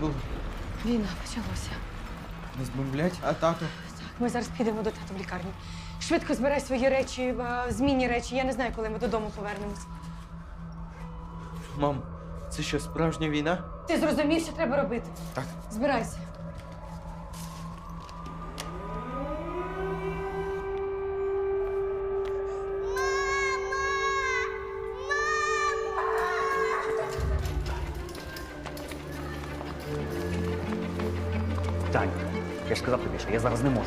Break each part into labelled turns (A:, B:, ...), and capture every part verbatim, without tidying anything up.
A: було?
B: Війна почалася.
A: Нас бомблять, а тато?
B: Так, ми зараз підемо до тата в лікарню. Швидко збирай свої речі, а, змінні речі. Я не знаю, коли ми додому повернемось.
A: Мам, це що, справжня війна?
B: Ти зрозумів, що треба робити?
A: Так.
B: Збирайся.
C: Тань, я ж сказав тобі, що я зараз не можу.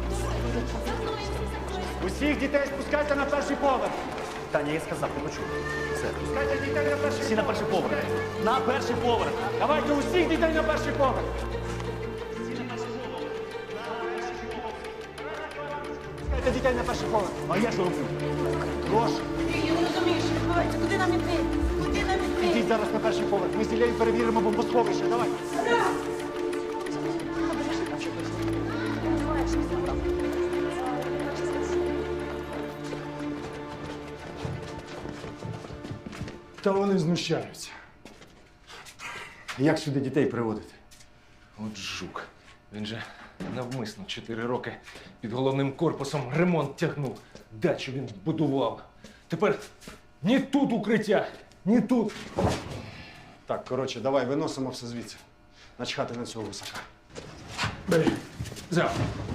D: Усіх дітей спускайте на перший поверх.
C: Таня, я сказав, ти почув. Все.
D: Спускайте дітей на перший
C: Всі на перший поверх. На перший поверх.
D: Давайте усіх дітей на перший поверх. Спускайте дітей на перший поверх.
C: А я що роблю?
D: Прошу,
E: Я не розумію, що відбувається. Куди нам іти? Куди нам іти?
D: ідіть зараз на перший поверх. Ми з Іллею перевіримо бомбосховище. Давай. Та вони знущаються. Як сюди дітей приводити?
F: От жук. Він же навмисно чотири роки під головним корпусом ремонт тягнув. Дачу він будував. Тепер ні тут укриття, ні тут.
D: Так, коротше, давай виносимо все звідси. Начхати на цього висака.
F: Бери. Взяв.